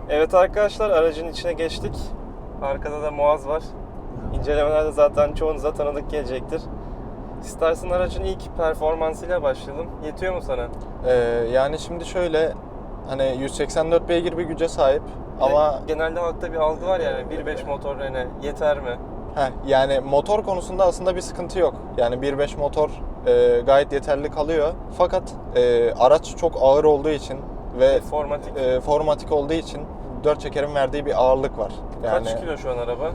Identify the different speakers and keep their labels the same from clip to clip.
Speaker 1: Evet arkadaşlar, aracın içine geçtik. Arkada da Muaz var. İncelemelerde zaten çoğunuza tanıdık gelecektir. İstersen aracın ilk performansıyla başlayalım. Yetiyor mu sana?
Speaker 2: Yani şimdi şöyle, hani 184 beygir bir güce sahip ama
Speaker 1: Genelde halkta bir algı var yani 1.5 motor hani yeter mi?
Speaker 2: yani motor konusunda aslında bir sıkıntı yok. Yani 1.5 motor gayet yeterli kalıyor. Fakat araç çok ağır olduğu için ve formatik olduğu için 4 çekerin verdiği bir ağırlık var. Yani,
Speaker 1: Kaç kilo şu an araba?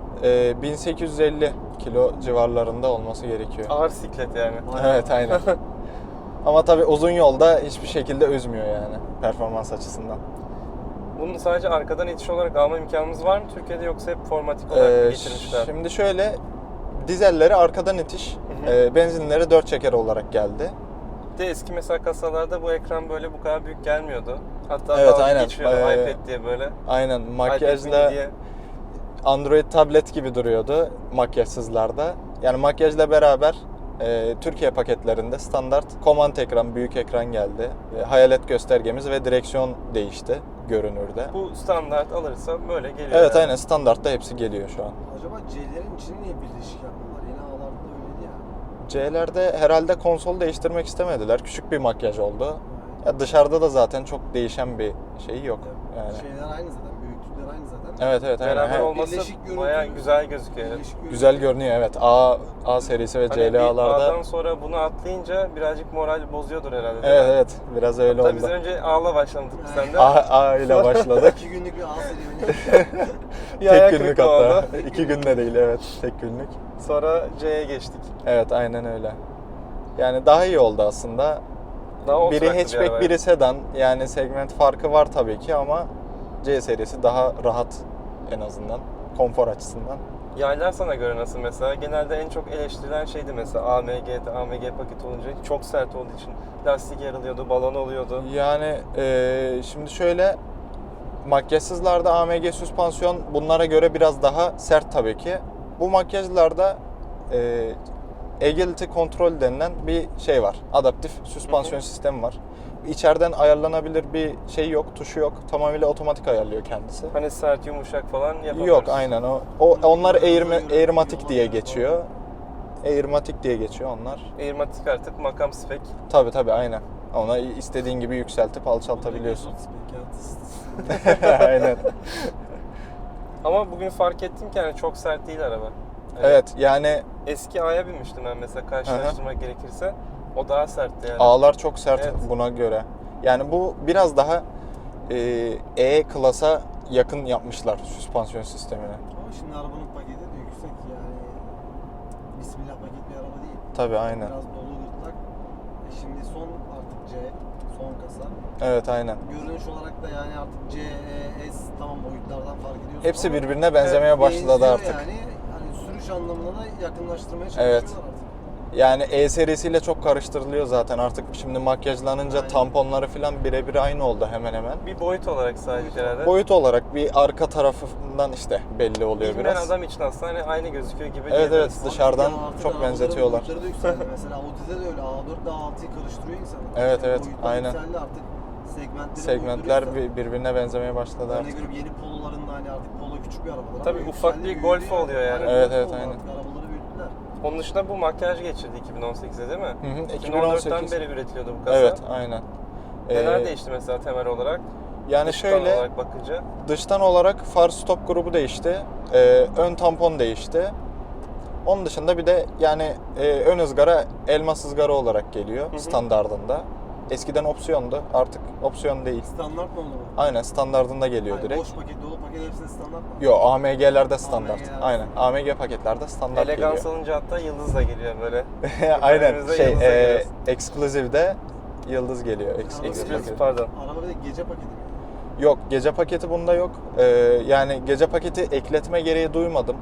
Speaker 2: 1850 kilo civarlarında olması gerekiyor.
Speaker 1: Ağır siklet yani.
Speaker 2: Evet, aynen. Ama tabii uzun yolda hiçbir şekilde üzmüyor yani performans açısından.
Speaker 1: Bunu sadece arkadan itiş olarak alma imkanımız var mı Türkiye'de, yoksa hep formatik olarak mı getirmişler?
Speaker 2: Şimdi şöyle, dizelleri arkadan itiş, benzinleri 4 çeker olarak geldi.
Speaker 1: De eski mesela kasalarda bu ekran böyle bu kadar büyük gelmiyordu. Hatta
Speaker 2: Evet,
Speaker 1: dalga
Speaker 2: aynen.
Speaker 1: geçiyordu iPad diye böyle.
Speaker 2: Aynen,
Speaker 1: iPad
Speaker 2: makyajla
Speaker 1: mini diye.
Speaker 2: Android tablet gibi duruyordu makyajsızlarda. Yani makyajla beraber Türkiye paketlerinde standart command ekran, büyük ekran geldi. Hayalet göstergemiz ve direksiyon değişti görünürde.
Speaker 1: Bu standart alırsa böyle geliyor.
Speaker 2: Evet,
Speaker 1: yani.
Speaker 2: aynen, standartta hepsi geliyor şu an.
Speaker 3: Acaba C'lerin içini niye birleşik yaptılar? Yeni A'larda öyleydi ya.
Speaker 2: C'lerde herhalde konsol değiştirmek istemediler. Küçük bir makyaj oldu. Ya dışarıda da zaten çok değişen bir şey yok. Yani.
Speaker 3: Şeyler aynı zaten, büyüklükler aynı zaten.
Speaker 2: Evet, aynen.
Speaker 1: Beraber olması
Speaker 3: Birleşik görüntü-
Speaker 1: bayağı güzel gözüküyor. Evet.
Speaker 3: Birleşik
Speaker 2: Güzel görünüyor, evet. A serisi ve
Speaker 1: Hani bir
Speaker 2: CLA'larda.
Speaker 1: A'dan sonra bunu atlayınca birazcık moral bozuyordur herhalde. değil
Speaker 2: Evet,
Speaker 1: mi?
Speaker 2: evet. Biraz öyle
Speaker 1: Hatta
Speaker 2: oldu.
Speaker 1: biz önce A'la başladık sen de.
Speaker 2: A ile başladık.
Speaker 3: 2 günlük bir A serüveni.
Speaker 1: Bir ayak
Speaker 2: Tek günlük
Speaker 1: kırıklığı
Speaker 2: hatta.
Speaker 1: oldu.
Speaker 2: 2 günde değil, evet. Tek günlük.
Speaker 1: Sonra C'ye geçtik.
Speaker 2: Evet, aynen öyle. Yani daha iyi oldu aslında.
Speaker 1: Daha
Speaker 2: Biri
Speaker 1: oturaklı bir
Speaker 2: hatchback,
Speaker 1: araba.
Speaker 2: biri sedan. Yani segment farkı var tabii ki ama C serisi daha rahat en azından. Konfor açısından.
Speaker 1: Yaylar sana göre nasıl mesela? Genelde en çok eleştirilen şeydi mesela AMG paketi olunca çok sert olduğu için lastik yarılıyordu, balon oluyordu.
Speaker 2: Yani şimdi şöyle, makyajsızlarda AMG süspansiyon bunlara göre biraz daha sert tabii ki. Bu makyajlarda Agility Control denilen bir şey var. Adaptif süspansiyon sistemi var. İçeriden ayarlanabilir bir şey yok, tuşu yok. Tamamıyla otomatik ayarlıyor kendisi.
Speaker 1: Hani sert, yumuşak falan yapamıyoruz.
Speaker 2: Yok, aynen o. Onlar Airmatic diye geçiyor. Airmatic diye geçiyor onlar.
Speaker 1: Airmatic artık makam spek.
Speaker 2: Tabii, aynen. Ona istediğin gibi yükseltip alçaltabiliyorsun.
Speaker 3: Spekiyat.
Speaker 2: Aynen.
Speaker 1: Ama bugün fark ettim ki yani çok sert değil araba.
Speaker 2: Evet, yani
Speaker 1: Eski A'ya binmiştim ben mesela, karşılaştırmak gerekirse. O daha sertti yani.
Speaker 2: ağlar çok sert
Speaker 1: Evet.
Speaker 2: buna göre. Yani bu biraz daha E-klasa yakın yapmışlar süspansiyon sistemini.
Speaker 3: Ama şimdi arabanın paketi de yüksek yani. Bismillah paket bir araba değil.
Speaker 2: Tabii, aynen.
Speaker 3: Biraz dolu gırtlak. Şimdi son artık C, son kasa.
Speaker 2: Evet, aynen.
Speaker 3: Görünüş olarak da yani artık C, E, S tamam boyutlardan fark ediyorsun
Speaker 2: Hepsi
Speaker 3: ama
Speaker 2: birbirine benzemeye başladı
Speaker 3: benziyor
Speaker 2: artık.
Speaker 3: Yani hani sürüş anlamında da yakınlaştırmaya
Speaker 2: Evet.
Speaker 3: çalışıyorlar artık.
Speaker 2: Yani E serisiyle çok karıştırılıyor zaten artık. Şimdi makyajlanınca
Speaker 3: Aynen.
Speaker 2: tamponları falan birebir aynı oldu hemen hemen.
Speaker 1: Bir boyut olarak sadece herhalde.
Speaker 2: Boyut olarak bir arka tarafından işte belli oluyor
Speaker 1: Bilmeyen
Speaker 2: biraz.
Speaker 1: adam için aslında hani aynı gözüküyor gibi
Speaker 2: Evet,
Speaker 1: diyebiliriz.
Speaker 2: evet. Dışarıdan
Speaker 3: Ya artık
Speaker 2: çok
Speaker 3: arabaların
Speaker 2: benzetiyorlar.
Speaker 3: boyutları da yükseldi. Mesela Audi'de de öyle A4 ile A6'yı karıştırıyor insanlar.
Speaker 2: Evet, evet,
Speaker 3: Boyutlar
Speaker 2: aynen.
Speaker 3: yükseldi artık.
Speaker 2: Segmentler
Speaker 3: boyutları
Speaker 2: birbirine benzemeye başladı
Speaker 3: Örnek
Speaker 2: artık.
Speaker 3: veriyorum, yeni poloların da hani artık polo küçük bir arabalar.
Speaker 1: Tabii
Speaker 3: ama
Speaker 1: ufak
Speaker 3: yükseldi,
Speaker 1: bir
Speaker 3: büyüdü
Speaker 1: Golf oluyor yani.
Speaker 2: Evet,
Speaker 3: Golf
Speaker 2: evet,
Speaker 3: oldu
Speaker 2: aynen.
Speaker 3: artık, arabaları büyüttüler.
Speaker 1: Onun dışında bu makyaj geçirdi 2018'de değil mi?
Speaker 2: Hı hı,
Speaker 1: 2014'ten
Speaker 2: 2018.
Speaker 1: beri üretiliyordu bu kasa.
Speaker 2: Evet, aynen.
Speaker 1: Neler değişti mesela temel olarak?
Speaker 2: Yani
Speaker 1: Dıştan
Speaker 2: şöyle,
Speaker 1: olarak bakınca.
Speaker 2: dıştan olarak far stop grubu değişti. Ön tampon değişti. Onun dışında bir de yani ön ızgara elmas ızgara olarak geliyor standardında. Eskiden opsiyondu, artık opsiyon değil.
Speaker 3: Standart mı oldu bu?
Speaker 2: Aynen, standardında geliyor
Speaker 3: Yani
Speaker 2: direkt.
Speaker 3: boş paket, dolu paket hepsinde standart mı?
Speaker 2: Yo, AMG'lerde standart.
Speaker 3: AMG'lerde
Speaker 2: Aynen. AMG paketlerde standart
Speaker 1: Elegans
Speaker 2: geliyor.
Speaker 1: alınca hatta yıldız da geliyor böyle.
Speaker 2: Aynen.
Speaker 1: Önümüzde yıldızla geliyoruz.
Speaker 2: Exclusive'de yıldız geliyor.
Speaker 3: Exclusive
Speaker 1: Exclusive
Speaker 2: paket.
Speaker 1: pardon.
Speaker 3: Araba bir de gece paketi mi?
Speaker 2: Yok, gece paketi bunda yok. Yani gece paketi ekletme gereği duymadım.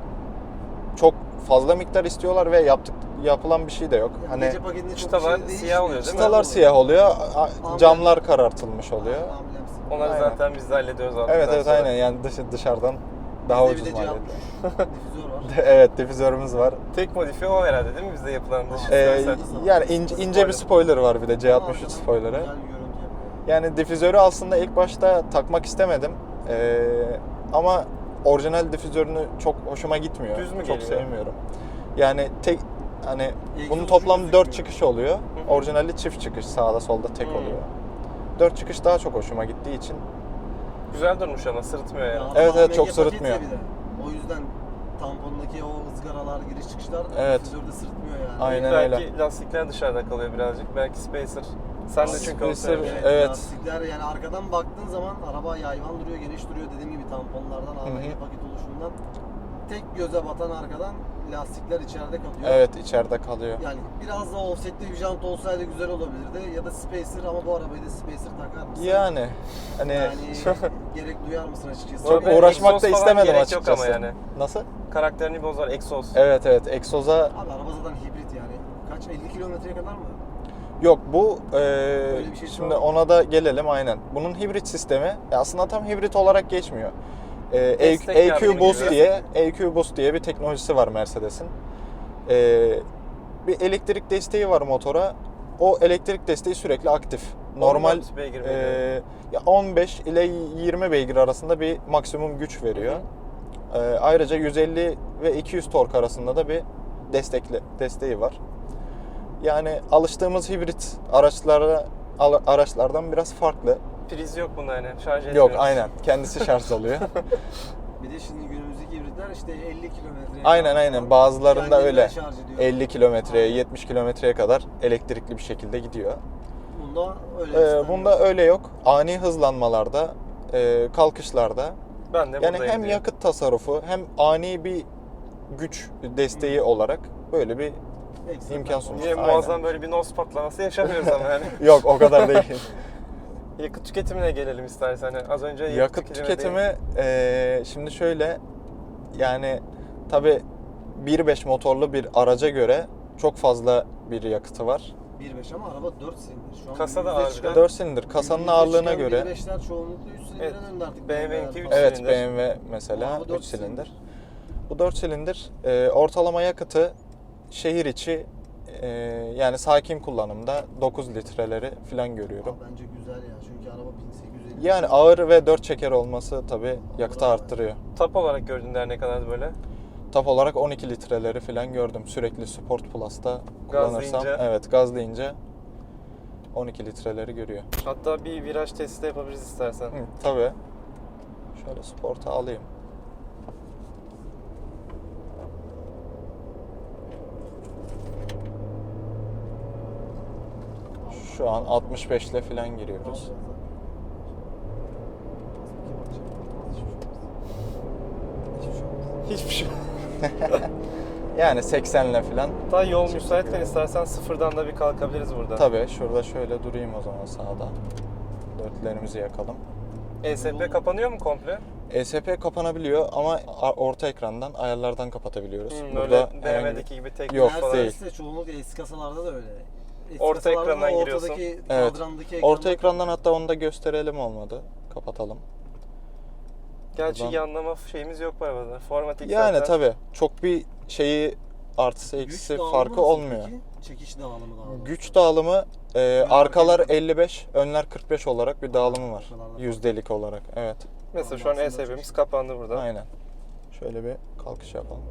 Speaker 2: Çok fazla miktar istiyorlar ve yapılan bir şey de yok.
Speaker 3: Yani
Speaker 2: Hani
Speaker 3: gece paketinde çok
Speaker 1: çıtalar
Speaker 3: bir şey
Speaker 1: siyah
Speaker 3: değişmiyor.
Speaker 1: oluyor değil mi?
Speaker 2: çıtalar siyah oluyor, camlar karartılmış oluyor.
Speaker 3: Ambulans.
Speaker 1: Onları
Speaker 2: Aynen.
Speaker 1: zaten biz de hallediyoruz artık.
Speaker 2: Evet, evet, aynen. Yani dışarıdan daha
Speaker 3: Bizde
Speaker 2: ucuz
Speaker 3: bir de
Speaker 2: maliyetli.
Speaker 3: difüzör var.
Speaker 2: Evet, difüzörümüz var.
Speaker 1: Tek modifiye o herhalde değil mi bizde yapılan dış ses?
Speaker 2: Yani ince bir spoiler var bir de C63
Speaker 3: Arkadan
Speaker 2: spoilerı.
Speaker 3: güzel bir görüntü yapıyor.
Speaker 2: Yani difüzörü aslında ilk başta takmak istemedim. Ama orijinal difüzörünü çok hoşuma gitmiyor.
Speaker 1: Düz mü
Speaker 2: çok
Speaker 1: geliyor?
Speaker 2: sevmiyorum. Yani tek hani
Speaker 3: Egzoz
Speaker 2: bunun
Speaker 3: ucu
Speaker 2: toplam 4
Speaker 3: gözükmüyor.
Speaker 2: çıkış oluyor. Orijinali çift çıkış, sağda solda tek
Speaker 1: Hı.
Speaker 2: oluyor. 4 çıkış daha çok hoşuma gittiği için.
Speaker 1: Güzel durmuş ama sırıtmıyor
Speaker 3: Ya
Speaker 1: yani.
Speaker 2: Evet,
Speaker 3: araba
Speaker 2: çok
Speaker 3: AMG
Speaker 2: sırıtmıyor.
Speaker 3: paket ya bir de. O yüzden tampondaki o ızgaralar, giriş çıkışlar
Speaker 2: Evet.
Speaker 3: difüzörde sırıtmıyor yani.
Speaker 2: Aynen
Speaker 1: Belki
Speaker 2: öyle.
Speaker 1: lastikler dışarıda kalıyor birazcık. Belki spacer. Sen de çünkü onu
Speaker 2: Spacer,
Speaker 1: sevmişsin.
Speaker 2: evet.
Speaker 3: Lastikler yani arkadan baktığın zaman araba yayvan duruyor, geniş duruyor. Dediğim gibi tamponlardan, AMG paket oluşumundan tek göze batan arkadan lastikler içeride kalıyor.
Speaker 2: Evet, içeride kalıyor.
Speaker 3: Yani biraz daha offsetli bir jant olsaydı güzel olabilirdi. Ya da spacer ama bu arabayı da spacer takar mısın?
Speaker 2: Yani hani
Speaker 3: Yani gerek duyar mısın açıkçası?
Speaker 2: çok
Speaker 1: Böyle
Speaker 2: uğraşmak
Speaker 1: egzoz
Speaker 2: da
Speaker 1: falan
Speaker 2: istemedim
Speaker 1: gerek yok
Speaker 2: açıkçası.
Speaker 1: ama yani.
Speaker 2: Nasıl?
Speaker 1: Karakterini bozar egzoz.
Speaker 2: Evet evet, egzoza
Speaker 3: Abi araba zaten hibrit yani. Kaç? 50 kilometreye kadar mı?
Speaker 2: yok bu
Speaker 3: bir şey
Speaker 2: şimdi
Speaker 3: var mı?
Speaker 2: ona da gelelim aynen. Bunun hibrit sistemi aslında tam hibrit olarak geçmiyor.
Speaker 1: Destek
Speaker 2: EQ
Speaker 1: yardımı
Speaker 2: Boost
Speaker 1: gibi.
Speaker 2: diye EQ Boost diye bir teknolojisi var Mercedes'in. Bir elektrik desteği var motora. O elektrik desteği sürekli aktif. Normal
Speaker 1: 14 beygir veriyor.
Speaker 2: ya 15 ile 20 beygir arasında bir maksimum güç veriyor. Ayrıca 150 ve 200 tork arasında da bir desteği var. Yani alıştığımız hibrit araçlardan biraz farklı.
Speaker 1: Priz yok bunda yani. Şarj etmiyor.
Speaker 2: Yok aynen. Kendisi şarj oluyor.
Speaker 3: Bir de şimdi günümüzdeki hibritler işte 50 kilometreye
Speaker 2: Aynen. Bazılarında
Speaker 3: kendinden
Speaker 2: öyle.
Speaker 3: şarj ediyor.
Speaker 2: 50 kilometreye,
Speaker 3: Aynen.
Speaker 2: 70 kilometreye kadar elektrikli bir şekilde gidiyor.
Speaker 3: Bunda öyle.
Speaker 2: Bunda öyle yok. Ani hızlanmalarda, kalkışlarda
Speaker 1: Ben de
Speaker 2: yani
Speaker 1: buradayım
Speaker 2: hem
Speaker 1: diyor.
Speaker 2: yakıt tasarrufu hem ani bir güç desteği olarak böyle bir
Speaker 3: Ekstra
Speaker 2: imkan
Speaker 3: performans.
Speaker 2: sunuyor.
Speaker 1: Niye
Speaker 2: Aynen.
Speaker 1: muazzam böyle bir nos patlaması yaşamıyoruz ama yani.
Speaker 2: yok o kadar değil.
Speaker 1: Yakıt tüketimine gelelim istersen. Yani az önce
Speaker 2: Yakıt
Speaker 1: değil.
Speaker 2: tüketimi şimdi şöyle yani tabi 1.5 motorlu bir araca göre çok fazla bir yakıtı var.
Speaker 3: 1.5 ama araba 4 silindir. Şu an
Speaker 1: Kasada
Speaker 3: günümüzde
Speaker 1: ağır bir de.
Speaker 3: çıkan-
Speaker 2: 4 silindir. Kasanın
Speaker 3: günümüzde
Speaker 2: ağırlığına
Speaker 3: çıkan
Speaker 2: göre.
Speaker 3: 1.5'ler çoğunlukla 3 silindirden
Speaker 1: Evet.
Speaker 3: döndü artık.
Speaker 1: BMW 3
Speaker 2: Evet
Speaker 1: silindir.
Speaker 2: BMW mesela
Speaker 3: Ama bu 4
Speaker 2: 3 silindir. Bu 4 silindir. Ortalama yakıtı şehir içi yani sakin kullanımda 9 litreleri falan görüyorum.
Speaker 3: Ama bence güzel ya çünkü araba 1850.
Speaker 2: Yani ağır ve 4 çeker olması tabi yakıtı arttırıyor.
Speaker 1: Tap olarak gördüğünde ne kadar böyle?
Speaker 2: Tap olarak 12 litreleri falan gördüm. Sürekli Sport Plus'ta kullanırsam.
Speaker 1: Gazlayınca.
Speaker 2: Evet, gazlayınca 12 litreleri görüyor.
Speaker 1: Hatta bir viraj testi de yapabiliriz istersen.
Speaker 2: Tabii. Şöyle Sport'a alayım. Şu an 65 ile falan giriyoruz.
Speaker 1: Hiçbir şey.
Speaker 2: Yani 80 ile falan.
Speaker 1: Hatta yol müsaitken istersen sıfırdan da bir kalkabiliriz burada.
Speaker 2: Tabii şurada şöyle durayım o zaman sağda. Dörtlerimizi yakalım.
Speaker 1: ESP kapanıyor mu komple?
Speaker 2: ESP kapanabiliyor ama orta ekrandan ayarlardan kapatabiliyoruz.
Speaker 1: Böyle
Speaker 2: herhangi
Speaker 1: BMW'deki gibi tek
Speaker 2: Yok,
Speaker 1: falan.
Speaker 2: değil.
Speaker 3: Mercedes'te çoğunlukla eski kasalarda da öyle. Eski
Speaker 1: Orta
Speaker 3: kasalarda da
Speaker 1: ekrandan giriyorsun.
Speaker 3: ortadaki
Speaker 2: Evet.
Speaker 3: kadrandaki
Speaker 2: Orta
Speaker 3: ekranda-
Speaker 2: ekrandan hatta onu da gösterelim olmadı. Kapatalım.
Speaker 1: Gerçi
Speaker 2: Buradan-
Speaker 1: yanlama şeyimiz yok bu arabada. Formatik
Speaker 2: Yani
Speaker 1: zaten.
Speaker 2: tabii çok bir şeyi artısı
Speaker 3: Güç
Speaker 2: eksisi
Speaker 3: dağılımı
Speaker 2: farkı
Speaker 3: nasıl
Speaker 2: olmuyor.
Speaker 3: peki? Çekiş dağılımı daha doğrusu.
Speaker 2: Güç dağılımı arkalar
Speaker 3: arkaya-
Speaker 2: 55, önler 45 olarak bir dağılımı var.
Speaker 3: Arkalarda
Speaker 2: Yüzdelik olarak. Evet.
Speaker 1: Mesela şu an
Speaker 3: Aslında
Speaker 1: ESP'miz
Speaker 3: çok-
Speaker 1: kapandı burada.
Speaker 2: Aynen. Şöyle bir kalkış yapalım.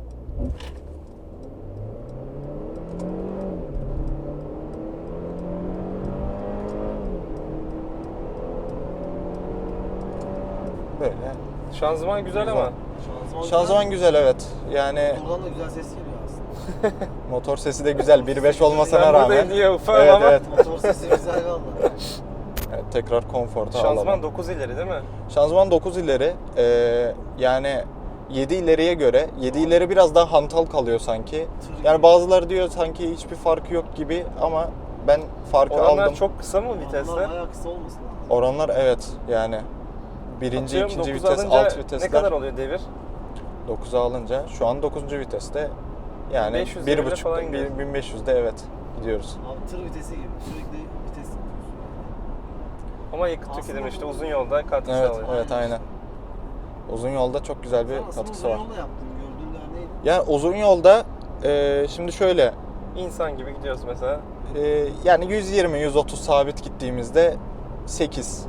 Speaker 2: Böyle.
Speaker 1: Şanzıman güzel ama.
Speaker 2: Şanzıman güzel evet. Yani
Speaker 3: Motordan da güzel ses geliyor aslında.
Speaker 2: motor sesi de güzel. 1.5 olmasına
Speaker 1: Ben
Speaker 2: rağmen.
Speaker 1: buradayım diye ufağım
Speaker 2: Evet
Speaker 1: ama.
Speaker 2: evet.
Speaker 3: Motor sesi güzel valla.
Speaker 2: Evet, tekrar konforta
Speaker 1: Şanzıman
Speaker 2: alalım.
Speaker 1: 9 ileri değil mi?
Speaker 2: Şanzıman 9 ileri. Yani 7 ileriye göre 7 ileri biraz daha hantal kalıyor sanki. Yani bazıları diyor sanki hiçbir farkı yok gibi ama ben farkı
Speaker 1: Oranlar
Speaker 2: aldım.
Speaker 1: çok kısa mı vitesler?
Speaker 3: Onlar bayağı kısa olmasın lazım.
Speaker 2: Oranlar evet yani birinci,
Speaker 1: Atıyorum,
Speaker 2: ikinci
Speaker 1: 9
Speaker 2: vites,
Speaker 1: alınca
Speaker 2: alt vitesler.
Speaker 1: ne kadar oluyor devir?
Speaker 2: 9'a alınca şu an 9. viteste yani
Speaker 1: 1500 devre falan
Speaker 2: 1.5
Speaker 1: gidiyor.
Speaker 2: 1500'de evet gidiyoruz.
Speaker 3: Abi tır vitesi gibi sürekli vites yapıyorsun.
Speaker 1: Ama yakıt
Speaker 3: Aslında
Speaker 1: tüketimi işte
Speaker 3: bu-
Speaker 1: uzun yolda katkı
Speaker 2: Evet
Speaker 1: sağlıyor.
Speaker 2: evet aynen. Uzun yolda çok güzel bir
Speaker 3: Sen aslında
Speaker 2: katkısı
Speaker 3: uzun
Speaker 2: var.
Speaker 3: yolda yaptın gördüğün neydi?
Speaker 2: Yani uzun yolda şimdi şöyle
Speaker 1: İnsan gibi gidiyoruz mesela.
Speaker 2: yani 120-130 sabit gittiğimizde 8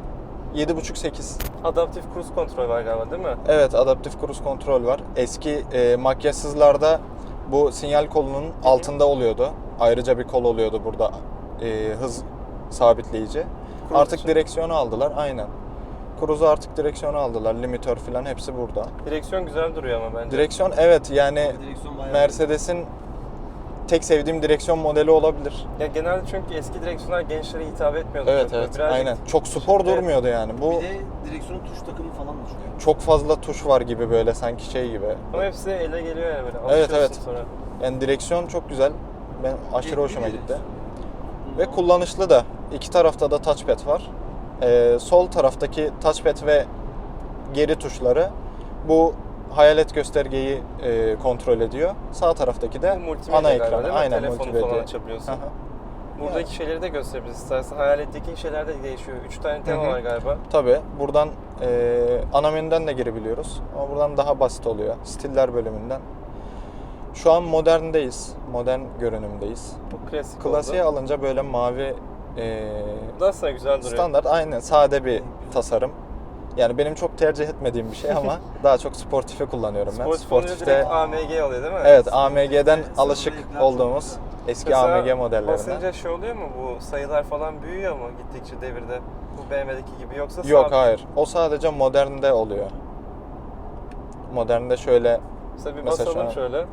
Speaker 2: 7.5-8.
Speaker 1: Adaptif cruise kontrol var galiba değil mi?
Speaker 2: Evet, adaptif cruise kontrol var. Eski makyajsızlarda bu sinyal kolunun altında oluyordu. Ayrıca bir kol oluyordu burada, hız sabitleyici.
Speaker 1: Cruise
Speaker 2: Artık
Speaker 1: için.
Speaker 2: direksiyonu aldılar, aynen. Cruise'u artık direksiyonu aldılar, limitör falan hepsi burada.
Speaker 1: Direksiyon güzel duruyor ama bence.
Speaker 2: Direksiyon, evet, yani
Speaker 3: Direksiyon bayağı
Speaker 2: Mercedes'in tek sevdiğim direksiyon modeli olabilir.
Speaker 1: Ya genelde çünkü eski direksiyonlar gençlere hitap etmiyordu.
Speaker 2: Evet,
Speaker 1: çok.
Speaker 2: evet,
Speaker 1: Birazcık
Speaker 2: aynen. Çok spor
Speaker 1: Şimdi-
Speaker 2: durmuyordu yani. Bu
Speaker 3: Bir de direksiyonun tuş takımı falan da çok.
Speaker 2: çok fazla tuş var gibi, böyle sanki şey gibi.
Speaker 1: Ama hepsi ele geliyor ya böyle.
Speaker 2: Evet,
Speaker 1: Alışıyorsun
Speaker 2: evet.
Speaker 1: sonra.
Speaker 2: Yani direksiyon çok güzel. Ben aşırı
Speaker 3: Bir
Speaker 2: hoşuma
Speaker 3: direksiyon.
Speaker 2: gitti. Ve kullanışlı da. İki tarafta da touchpad var. Sol taraftaki touchpad ve geri tuşları bu hayalet göstergeyi kontrol ediyor. Sağ taraftaki de
Speaker 1: Bu multimedya
Speaker 2: ana
Speaker 1: galiba
Speaker 2: ekran.
Speaker 1: değil mi?
Speaker 2: Aynen,
Speaker 1: Telefonu
Speaker 2: multimedya.
Speaker 1: falan açabiliyorsun.
Speaker 2: Aha.
Speaker 1: Buradaki şeyleri de gösterebiliriz istersen. Hayaletteki şeyler de değişiyor. 3 tane tema
Speaker 2: Hı hı.
Speaker 1: var galiba.
Speaker 2: Tabii buradan ana menüden de girebiliyoruz. Ama buradan daha basit oluyor. Stiller bölümünden. Şu an moderndeyiz. Modern görünümdeyiz.
Speaker 1: Bu klasik
Speaker 2: Klasiğe
Speaker 1: oldu.
Speaker 2: alınca böyle mavi
Speaker 1: Bu da aslında güzel duruyor.
Speaker 2: standart, aynen sade bir tasarım. Yani benim çok tercih etmediğim bir şey ama daha çok sportife kullanıyorum ben.
Speaker 1: Sportif olunca direkt AMG oluyor değil mi?
Speaker 2: Evet, AMG'den alışık
Speaker 3: renkler
Speaker 2: olduğumuz
Speaker 3: çok
Speaker 2: eski
Speaker 1: Mesela
Speaker 2: AMG modellerinden.
Speaker 1: basınca şey oluyor mu? Bu sayılar falan büyüyor mu gittikçe devirde? Bu BMW'deki gibi yoksa
Speaker 2: Yok,
Speaker 1: sabit?
Speaker 2: hayır. O sadece modernde oluyor. Modernde şöyle
Speaker 1: Mesela bir
Speaker 2: Mesela şu
Speaker 1: basalım
Speaker 2: an-
Speaker 1: şöyle.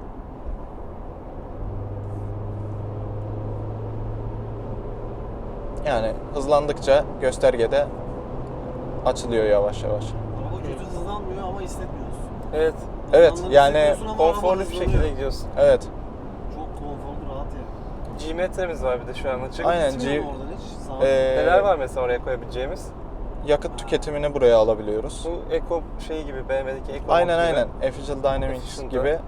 Speaker 2: yani hızlandıkça göstergede açılıyor yavaş yavaş.
Speaker 3: Araba kötü hızlanmıyor ama hissetmiyoruz.
Speaker 1: Evet.
Speaker 2: Evet,
Speaker 3: Hızlandığını
Speaker 2: yani
Speaker 3: hissediyorsun ama araba
Speaker 1: Konforlu bir
Speaker 3: hızlanıyor.
Speaker 1: şekilde gidiyorsun.
Speaker 2: Evet.
Speaker 3: Çok konforlu, rahat yani.
Speaker 1: G-metremiz var bir de şu an açık.
Speaker 2: Aynen,
Speaker 3: Gitmiyor mu oradan hiç? Sağ
Speaker 1: Neler var mesela oraya koyabileceğimiz?
Speaker 2: Yakıt tüketimini buraya alabiliyoruz.
Speaker 1: Bu Eco şeyi gibi, BMW'deki Eco
Speaker 2: Aynen
Speaker 1: gibi.
Speaker 2: aynen. Efficient Dynamics
Speaker 1: Efficient'da.
Speaker 2: gibi.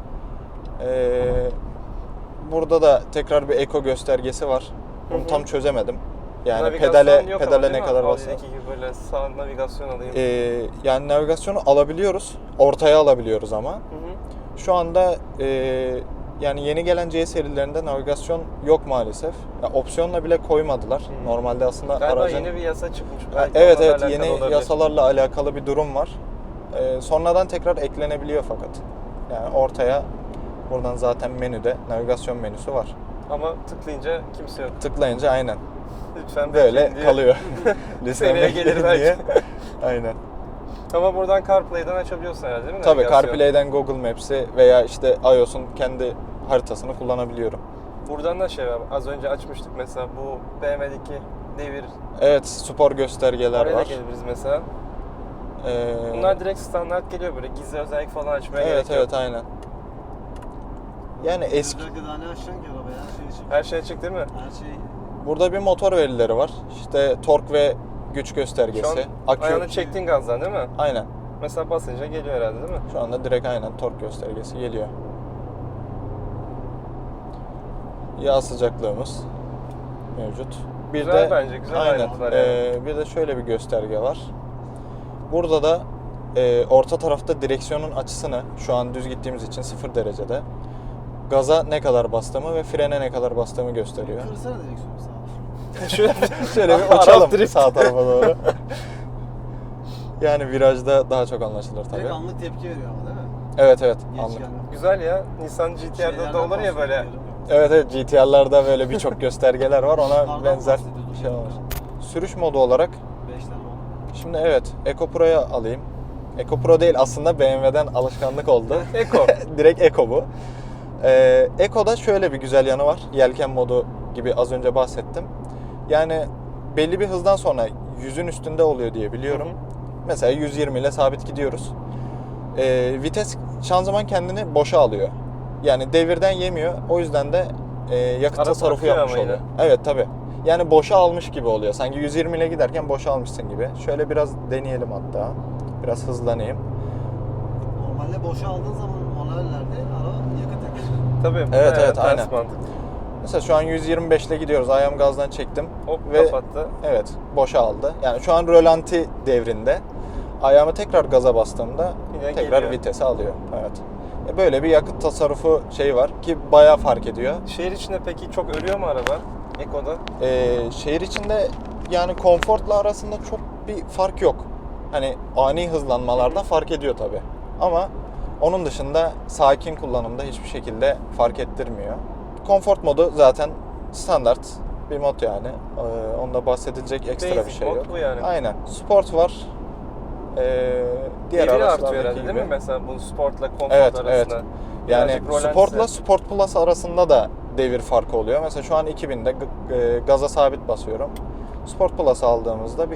Speaker 2: Burada da tekrar bir eko göstergesi var. Bunu
Speaker 1: Hı hı.
Speaker 2: tam çözemedim. Yani
Speaker 1: Navigasyon
Speaker 2: pedale
Speaker 1: yok ama
Speaker 2: pedale
Speaker 1: değil
Speaker 2: ne
Speaker 1: mi?
Speaker 2: kadar basar?
Speaker 1: Audi'deki gibi böyle sağ navigasyon alayım.
Speaker 2: Yani navigasyonu alabiliyoruz. Ortaya alabiliyoruz ama.
Speaker 1: Hı hı.
Speaker 2: Şu anda yani yeni gelen C serilerinde navigasyon yok maalesef. Ya, opsiyonla bile koymadılar.
Speaker 1: Hmm.
Speaker 2: Normalde aslında
Speaker 1: Galiba
Speaker 2: aracın...
Speaker 1: yeni bir yasa çıkmış.
Speaker 2: Ha,
Speaker 1: Belki
Speaker 2: evet
Speaker 1: onlarla
Speaker 2: evet,
Speaker 1: alakalı
Speaker 2: yeni
Speaker 1: olabilir.
Speaker 2: yasalarla alakalı bir durum var. Sonradan tekrar eklenebiliyor fakat. Yani ortaya buradan zaten menüde navigasyon menüsü var.
Speaker 1: Ama tıklayınca kimse yok.
Speaker 2: Tıklayınca aynen
Speaker 1: Lütfen
Speaker 2: böyle
Speaker 1: bekleyin diye.
Speaker 2: kalıyor.
Speaker 1: Seneye
Speaker 2: Lütfen
Speaker 1: gelir
Speaker 2: bekleyin
Speaker 1: belki.
Speaker 2: diye. Aynen.
Speaker 1: Ama buradan CarPlay'den açabiliyorsun herhalde değil mi?
Speaker 2: Tabii
Speaker 1: navigasyon?
Speaker 2: CarPlay'den Google Maps'i veya işte iOS'un kendi haritasını kullanabiliyorum.
Speaker 1: Buradan da şey var. Az önce açmıştık mesela bu BMW'deki devir.
Speaker 2: Evet, spor göstergeler
Speaker 1: Oraya da
Speaker 2: var.
Speaker 1: gelebiliriz mesela.
Speaker 2: Ee,
Speaker 1: Bunlar direkt standart geliyor böyle gizli özellik falan açmaya
Speaker 2: evet
Speaker 1: gerek yok.
Speaker 2: evet aynen. Yani eski
Speaker 3: Özellikle daha ne açacaksın ki arabaya? Her şey için.
Speaker 1: Her şey açık değil mi?
Speaker 3: Her şey
Speaker 2: burada bir motor verileri var. İşte tork ve güç
Speaker 1: Şu an
Speaker 2: göstergesi. Akü.
Speaker 1: ayağını çektiğin gazdan değil mi?
Speaker 2: Aynen.
Speaker 1: Mesela basınca geliyor herhalde değil mi?
Speaker 2: Şu anda direkt aynen tork göstergesi geliyor. Yağ sıcaklığımız mevcut. Bir
Speaker 1: Güzel
Speaker 2: de
Speaker 1: bence, güzel
Speaker 2: aynen.
Speaker 1: ayrıntılar yani.
Speaker 2: Bir de şöyle bir gösterge var. Burada da orta tarafta direksiyonun açısını, şu an düz gittiğimiz için 0 derecede, gaza ne kadar bastığımı ve frene ne kadar bastığımı gösteriyor.
Speaker 3: kırsana direksiyonu sağa.
Speaker 2: Şöyle bir
Speaker 1: Arap
Speaker 2: uçalım
Speaker 1: drift.
Speaker 2: sağ tarafa doğru. Yani virajda daha çok anlaşılır tabii.
Speaker 3: Direkt anlık tepki veriyor ama değil mi?
Speaker 2: Evet evet,
Speaker 3: Geç
Speaker 2: anlık.
Speaker 3: gelme.
Speaker 1: Güzel ya. Nissan GT-R'da da olur ya böyle.
Speaker 2: Evet evet, GT-R'larda böyle birçok göstergeler var, ona
Speaker 3: Kardan
Speaker 2: benzer
Speaker 3: bahsediyorduk
Speaker 2: şey
Speaker 3: ya.
Speaker 2: olmuş. Sürüş modu olarak
Speaker 3: 5 tane oldu.
Speaker 2: şimdi evet, Eco Pro'ya alayım. Eco Pro değil aslında, BMW'den alışkanlık oldu.
Speaker 1: Eco.
Speaker 2: Direkt Eco bu. Eco'da şöyle bir güzel yanı var. Yelken modu gibi az önce bahsettim. Yani belli bir hızdan sonra 100'ün üstünde oluyor diye biliyorum.
Speaker 1: Hı hı.
Speaker 2: Mesela 120 ile sabit gidiyoruz. Vites, şanzıman kendini boşa alıyor. Yani devirden yemiyor. O yüzden de yakıt
Speaker 1: Araba
Speaker 2: tasarrufu
Speaker 1: akıyor
Speaker 2: yapmış
Speaker 1: ama
Speaker 2: oluyor.
Speaker 1: yine.
Speaker 2: Evet tabii. Yani boşa almış gibi oluyor. Sanki 120 ile giderken boşa almışsın gibi. Şöyle biraz deneyelim hatta. Biraz hızlanayım.
Speaker 3: Normalde boşa aldığın zaman manuellerde araba yakıt yakar.
Speaker 1: Tabii. bu
Speaker 2: Evet,
Speaker 1: da
Speaker 2: evet,
Speaker 1: ters
Speaker 2: aynen.
Speaker 1: mantık.
Speaker 2: Mesela şu an 125 ile gidiyoruz. Ayağım gazdan çektim.
Speaker 1: Hop
Speaker 2: Ve
Speaker 1: kapattı.
Speaker 2: evet, boşa aldı. Yani şu an rölanti devrinde. Ayağımı tekrar gaza bastığımda
Speaker 1: Yine
Speaker 2: tekrar
Speaker 1: geliyor.
Speaker 2: vitesi alıyor. Evet. Böyle bir yakıt tasarrufu şey var ki bayağı fark ediyor.
Speaker 1: Şehir içinde peki çok ölüyor mu araba? Eko'da?
Speaker 2: Şehir içinde yani konforla arasında çok bir fark yok. Hani ani hızlanmalarda fark ediyor tabii. Ama onun dışında sakin kullanımda hiçbir şekilde fark ettirmiyor. Konfort modu zaten standart bir mod yani. Onda bahsedilecek ekstra
Speaker 1: Basic
Speaker 2: bir şey
Speaker 1: mod
Speaker 2: yok.
Speaker 1: bu yani.
Speaker 2: Aynen. Sport var. Diğer
Speaker 1: Deviri
Speaker 2: araçlardaki
Speaker 1: artıyor herhalde
Speaker 2: gibi.
Speaker 1: değil mi? Mesela bu sportla konfor
Speaker 2: Evet,
Speaker 1: arasında.
Speaker 2: evet. Yani
Speaker 1: Birazcık rolantisi.
Speaker 2: Sport'la Sport Plus arasında da devir farkı oluyor. Mesela şu an 2000'de gaza sabit basıyorum. Sport Plus aldığımızda bir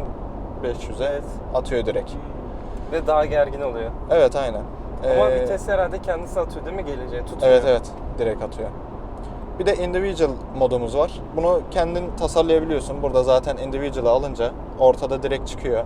Speaker 2: 2500'e
Speaker 1: Evet.
Speaker 2: atıyor direkt.
Speaker 1: Ve daha gergin oluyor.
Speaker 2: Evet, aynen.
Speaker 1: Ama vites herhalde kendisi atıyor değil mi geleceğe? Tutuyor.
Speaker 2: Evet, evet. Direkt atıyor. Bir de individual modumuz var. Bunu kendin tasarlayabiliyorsun. Burada zaten individual'ı alınca ortada direkt çıkıyor.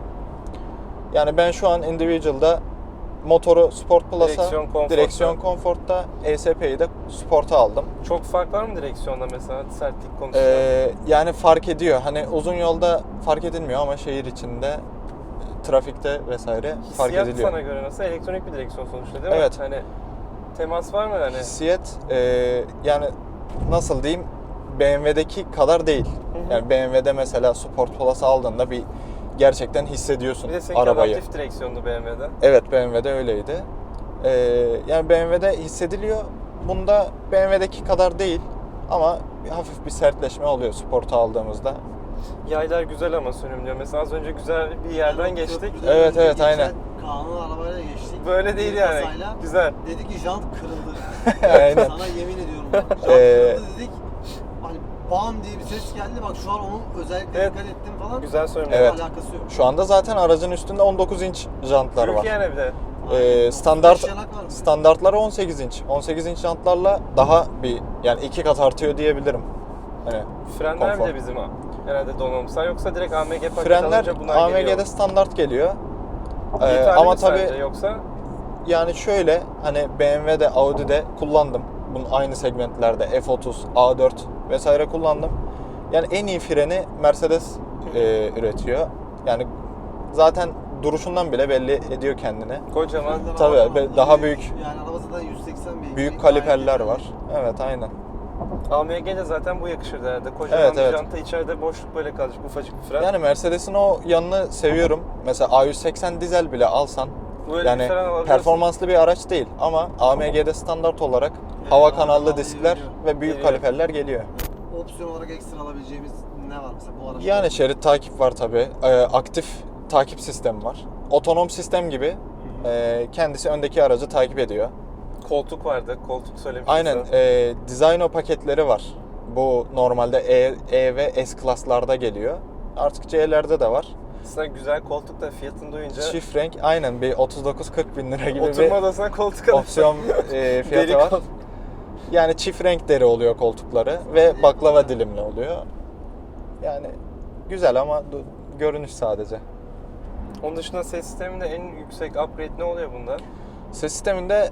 Speaker 2: Yani ben şu an individual'da motoru Sport Plus'a, direksiyon Comfort'ta, ESP'yi de Sport'a aldım.
Speaker 1: Çok fark var mı direksiyonda mesela sertlik konusunda?
Speaker 2: Yani fark ediyor. Hani uzun yolda fark edilmiyor ama şehir içinde, trafikte vesaire fark
Speaker 1: Hissiyat
Speaker 2: ediliyor.
Speaker 1: sana göre nasıl? Elektronik bir direksiyon sonuçta değil mi?
Speaker 2: Evet.
Speaker 1: Hani temas var mı hani?
Speaker 2: Hissiyat yani nasıl diyeyim, BMW'deki kadar değil.
Speaker 1: Hı hı.
Speaker 2: Yani BMW'de mesela Sport Plus aldığında bir gerçekten hissediyorsun
Speaker 1: Bir de seninki
Speaker 2: arabayı.
Speaker 1: adaptif direksiyondu BMW'de.
Speaker 2: Evet, BMW'de öyleydi. Yani BMW'de hissediliyor. Bunda BMW'deki kadar değil ama hafif bir sertleşme oluyor Sport'u aldığımızda.
Speaker 1: Yaylar güzel ama sürümlüyor. Mesela az önce güzel bir yerden geçtik.
Speaker 3: Köprüden
Speaker 2: Evet,
Speaker 3: önce
Speaker 2: evet,
Speaker 3: geçen
Speaker 2: aynen.
Speaker 3: Kaan'ın arabayla geçtik.
Speaker 1: Böyle değil
Speaker 3: Bir
Speaker 1: yani.
Speaker 3: kasayla.
Speaker 1: Güzel.
Speaker 3: Dedi ki jant kırıldı.
Speaker 2: Aynen.
Speaker 3: Sana yemin ediyorum bak. Jant kırıldı dedik. Hani bam diye bir ses geldi. Bak şu an onu özellikle
Speaker 1: Evet.
Speaker 3: dikkat ettim falan.
Speaker 1: Güzel sürümlüyor.
Speaker 2: Evet.
Speaker 3: Alakası yok.
Speaker 2: Şu anda zaten aracın üstünde 19 inç jantlar var.
Speaker 1: Türkiye'ne bir de.
Speaker 3: Aynen.
Speaker 2: Standart
Speaker 3: 35 yanak var bir de.
Speaker 2: standartları 18 inç. 18 inç jantlarla daha bir yani 2 kat artıyor diyebilirim. Hani
Speaker 1: Frenler
Speaker 2: konfor.
Speaker 1: bile bizim herhalde donanımsal yoksa direkt AMG paket
Speaker 2: Frenler
Speaker 1: alınca bunlar
Speaker 2: AMG'de
Speaker 1: geliyor.
Speaker 2: standart geliyor.
Speaker 1: Yeterli
Speaker 2: Ama
Speaker 1: mi
Speaker 2: tabii
Speaker 1: sence yoksa
Speaker 2: yani şöyle, hani BMW'de, Audi'de kullandım. Bunun aynı segmentlerde F30, A4 vesaire kullandım. Yani en iyi freni Mercedes üretiyor. Yani zaten duruşundan bile belli ediyor kendini.
Speaker 1: kocaman
Speaker 3: Frenler
Speaker 2: Tabii,
Speaker 3: araba
Speaker 2: daha büyük.
Speaker 3: Yani araba zaten 180 beygir.
Speaker 2: Büyük
Speaker 3: Gayet
Speaker 2: kaliperler
Speaker 3: yeterli.
Speaker 2: var. Evet, aynen.
Speaker 1: AMG'de zaten bu yakışırdı herhalde. Kocaman
Speaker 2: Evet,
Speaker 1: bir
Speaker 2: evet.
Speaker 1: janta içeride boşluk böyle kalacak ufacık bir fren.
Speaker 2: Yani Mercedes'in o yanını seviyorum. Mesela A180 dizel bile alsan
Speaker 1: Böyle
Speaker 2: yani
Speaker 1: bir fren alabiliyorsun.
Speaker 2: performanslı bir araç değil ama AMG'de standart olarak hava
Speaker 3: hava
Speaker 2: kanallı
Speaker 3: kanallı
Speaker 2: diskler
Speaker 3: geliyor.
Speaker 2: ve büyük
Speaker 1: Geliyor.
Speaker 2: kaliperler geliyor.
Speaker 3: Opsiyon olarak ekstra alabileceğimiz ne var mesela bu araçta?
Speaker 2: Yani şerit takip var tabi. Aktif takip sistemi var. Otonom sistem gibi kendisi öndeki aracı takip ediyor.
Speaker 1: Koltuk vardı. Koltuk söylemiştin
Speaker 2: Aynen.
Speaker 1: sen.
Speaker 2: Designo paketleri var. Bu normalde E ve S klaslarda geliyor. Artık C'lerde de var.
Speaker 1: Aslında güzel koltuk da fiyatını duyunca
Speaker 2: Çift renk aynen bir 39-40 bin lira gibi
Speaker 1: oturma
Speaker 2: bir
Speaker 1: odasına koltuk alırsın.
Speaker 2: opsiyon fiyatı
Speaker 1: Deri
Speaker 2: var.
Speaker 1: kol-
Speaker 2: Yani çift renk deri oluyor koltukları ve baklava dilimli oluyor. Yani güzel ama görünüş sadece.
Speaker 1: Onun dışında ses sisteminde en yüksek upgrade ne oluyor bunda?
Speaker 2: Ses sisteminde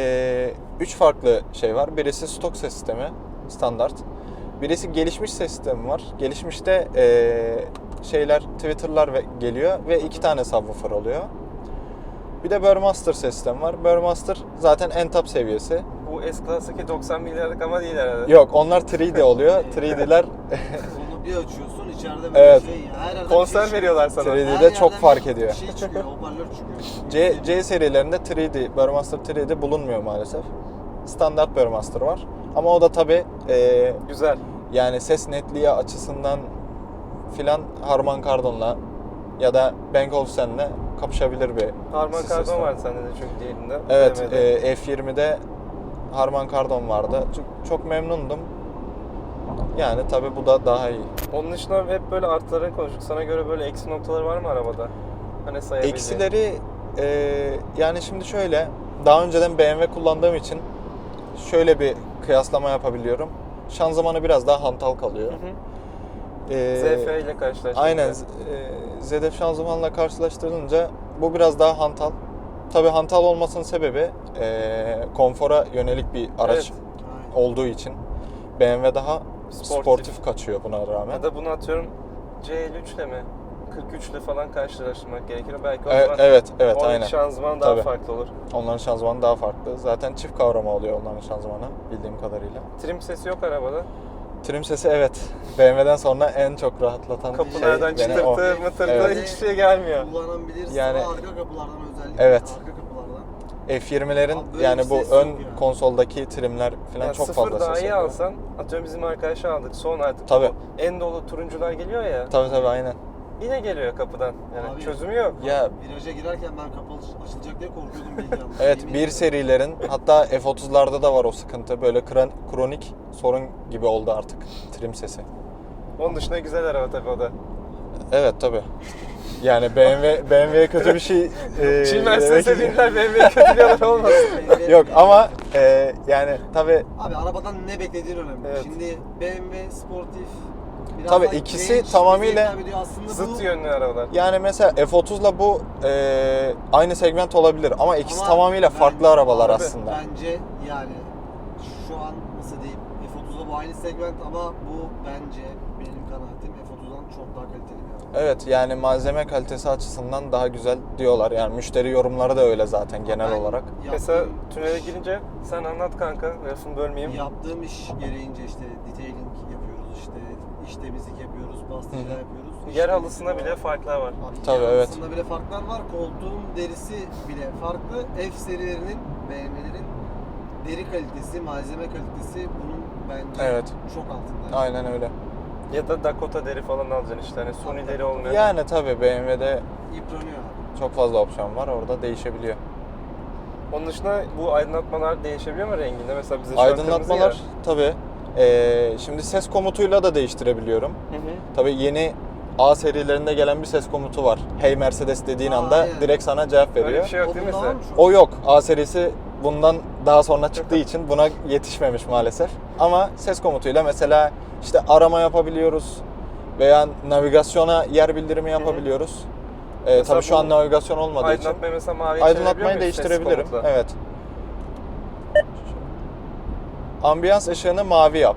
Speaker 2: 3 farklı şey var. Birisi stok ses sistemi, standart. Birisi gelişmiş ses sistemi var. Gelişmişte şeyler, tweeter'lar geliyor ve 2 tane subwoofer oluyor. Bir de Burmester ses sistemi var. Burmester zaten en top seviyesi.
Speaker 1: Bu S-Class'taki 90 milyarlık ama değil herhalde.
Speaker 2: Yok, onlar 3D oluyor. 3D'ler
Speaker 3: Onu bir açıyorsun içeride böyle
Speaker 2: Evet.
Speaker 3: şey. Her yerden
Speaker 1: Konser
Speaker 3: bir şey
Speaker 1: veriyorlar sana.
Speaker 2: 3D'de çok fark ediyor.
Speaker 3: Bir şey çıkıyor, hoparlör çıkıyor.
Speaker 2: C serilerinde 3D, Burmester 3D bulunmuyor maalesef. Standart Burmester var. Ama o da tabi
Speaker 1: Güzel.
Speaker 2: yani ses netliği açısından filan Harman Kardon'la ya da Bang Olufsen'le kapışabilir bir
Speaker 1: Harman
Speaker 2: ses
Speaker 1: Kardon
Speaker 2: sistemi.
Speaker 1: vardı sende de çünkü diğerinde.
Speaker 2: Evet,
Speaker 1: BMW'de.
Speaker 2: F20'de Harman Kardon vardı. Çok memnundum. Yani tabi bu da daha iyi.
Speaker 1: Onun dışında hep böyle artıları konuştuk. Sana göre böyle eksi noktaları var mı arabada? Hani sayabileceğin.
Speaker 2: Eksileri yani şimdi şöyle, daha önceden BMW kullandığım için şöyle bir kıyaslama yapabiliyorum. Şanzımanı biraz daha hantal kalıyor.
Speaker 1: Hı hı.
Speaker 2: Ee,
Speaker 1: ZF ile karşılaştığında.
Speaker 2: Aynen. ZF şanzımanla karşılaştırılınca bu biraz daha hantal. Tabii hantal olmasının sebebi konfora yönelik bir araç
Speaker 1: Evet.
Speaker 3: Aynen.
Speaker 2: olduğu için BMW daha
Speaker 1: Sportif.
Speaker 2: sportif kaçıyor buna rağmen.
Speaker 1: Ya da bunu atıyorum C53 ile mi? 43 ile falan karşılaştırmak gerekir. Belki o
Speaker 2: Evet,
Speaker 1: zaman
Speaker 2: evet,
Speaker 1: oradaki
Speaker 2: aynen.
Speaker 1: şanzıman daha
Speaker 2: Tabii.
Speaker 1: farklı olur.
Speaker 2: Onların şanzımanı daha farklı. Zaten çift kavrama oluyor onların şanzımanı bildiğim kadarıyla.
Speaker 1: Trim sesi yok arabada.
Speaker 2: Trim sesi evet. BMW'den sonra en çok rahatlatan
Speaker 1: Kapılardan
Speaker 2: şey beni o.
Speaker 1: çıtırtı, mıtırtı
Speaker 2: Evet.
Speaker 1: hiçbir şey gelmiyor.
Speaker 3: Kullanan bilir
Speaker 2: Yani-
Speaker 3: sağ arka kapılardan özellikle.
Speaker 2: Evet.
Speaker 3: Arka kapılardan.
Speaker 2: F20'lerin
Speaker 3: Abi böyle
Speaker 2: yani
Speaker 3: bir
Speaker 2: bu
Speaker 3: ses
Speaker 2: ön
Speaker 3: yok ya.
Speaker 2: konsoldaki trimler falan
Speaker 1: Yani
Speaker 2: çok
Speaker 1: sıfır
Speaker 2: fazla ses
Speaker 1: dahi
Speaker 2: yapıyor.
Speaker 1: alsan, atıyorum bizim arkadaşı aldık, son artık
Speaker 2: Tabii.
Speaker 1: bu en dolu turuncular geliyor ya,
Speaker 2: Tabii aynen.
Speaker 1: yine geliyor kapıdan. Yani
Speaker 3: Abi-
Speaker 1: çözümü yok.
Speaker 2: Ya
Speaker 3: Viraja girerken ben kapı açılacak diye korkuyordum bilgi yanlış.
Speaker 2: evet
Speaker 3: Yemin
Speaker 2: bir
Speaker 3: ediyorum.
Speaker 2: serilerin hatta F30'larda da var o sıkıntı. Böyle kronik sorun gibi oldu artık trim sesi.
Speaker 1: Onun dışında güzel araba tabii o da.
Speaker 2: Evet tabii. Yani BMW'ye kötü bir şey
Speaker 1: Şimdi Mercedes'e
Speaker 2: demek-
Speaker 1: binler BMW'ye kötü bir araba olmasın.
Speaker 2: Yok ama yani tabii
Speaker 3: Abi arabadan ne beklediğin önemli.
Speaker 1: Evet.
Speaker 3: Şimdi BMW sportif biraz
Speaker 2: Tabii
Speaker 3: daha
Speaker 2: ikisi
Speaker 3: genç,
Speaker 2: tamamıyla
Speaker 3: bize hitap ediyor. Aslında
Speaker 1: Zıt
Speaker 3: bu
Speaker 1: yönlü arabalar.
Speaker 2: yani mesela F30'la bu aynı segment olabilir ama ikisi
Speaker 3: Ama
Speaker 2: tamamıyla
Speaker 3: ben-
Speaker 2: farklı arabalar
Speaker 3: abi
Speaker 2: aslında.
Speaker 3: Bence yani şu an nasıl diyeyim F30'da bu aynı segment ama bu bence benim kanaatim F30'dan çok daha kaliteli bir araba.
Speaker 2: Evet yani malzeme kalitesi açısından daha güzel diyorlar. Yani müşteri yorumları da öyle zaten genel
Speaker 3: Ben
Speaker 2: olarak.
Speaker 1: Mesela
Speaker 3: yaptığım
Speaker 1: tünele girince sen anlat kanka, lafını bölmeyeyim.
Speaker 3: Yaptığım iş gereğince işte detailing yapıyoruz işte iş temizlik yapıyoruz, pastacılar yapıyoruz. İş
Speaker 1: Yer
Speaker 3: temizliği
Speaker 1: halısında
Speaker 3: var.
Speaker 1: bile farklar var.
Speaker 3: Abi,
Speaker 2: Tabii,
Speaker 3: yer
Speaker 2: evet.
Speaker 3: halısında bile farklar var. Koltuğun derisi bile farklı. F serilerinin, BMW'lerin deri kalitesi, malzeme kalitesi bunun bence
Speaker 2: Evet.
Speaker 3: çok altında.
Speaker 2: Aynen öyle.
Speaker 1: Ya da Dakota deri falan alacaksın işte, hani suni deri olmuyor.
Speaker 2: Yani tabii BMW'de
Speaker 3: Yıpranıyor abi.
Speaker 2: çok fazla opsiyon var. Orada değişebiliyor.
Speaker 1: Onun dışında bu aydınlatmalar değişebiliyor mu renginde? Mesela bize şu an
Speaker 2: Aydınlatmalar
Speaker 1: kırmızı
Speaker 2: tabii. Şimdi ses komutuyla da değiştirebiliyorum.
Speaker 1: ya. Hı hı.
Speaker 2: Tabii yeni A serilerinde gelen bir ses komutu var. Hey Mercedes dediğin anda
Speaker 3: aynen.
Speaker 2: direkt sana cevap veriyor.
Speaker 1: Öyle bir şey yok
Speaker 3: O
Speaker 1: değil mi
Speaker 3: bunda
Speaker 1: mesela?
Speaker 3: var mı şu an?
Speaker 2: O yok. A serisi bundan daha sonra çıktığı için buna yetişmemiş maalesef. Ama ses komutuyla mesela işte arama yapabiliyoruz veya navigasyona yer bildirimi yapabiliyoruz.
Speaker 1: Mesela
Speaker 2: Tabii şu an
Speaker 1: bu
Speaker 2: navigasyon olmadığı için
Speaker 1: Aydınlatmayı mesela maviye
Speaker 2: aydınlatmayı
Speaker 1: çevirebiliyor muyuz ses
Speaker 2: değiştirebilirim.
Speaker 1: komutla?
Speaker 2: Evet. Ambiyans ışığını mavi yap.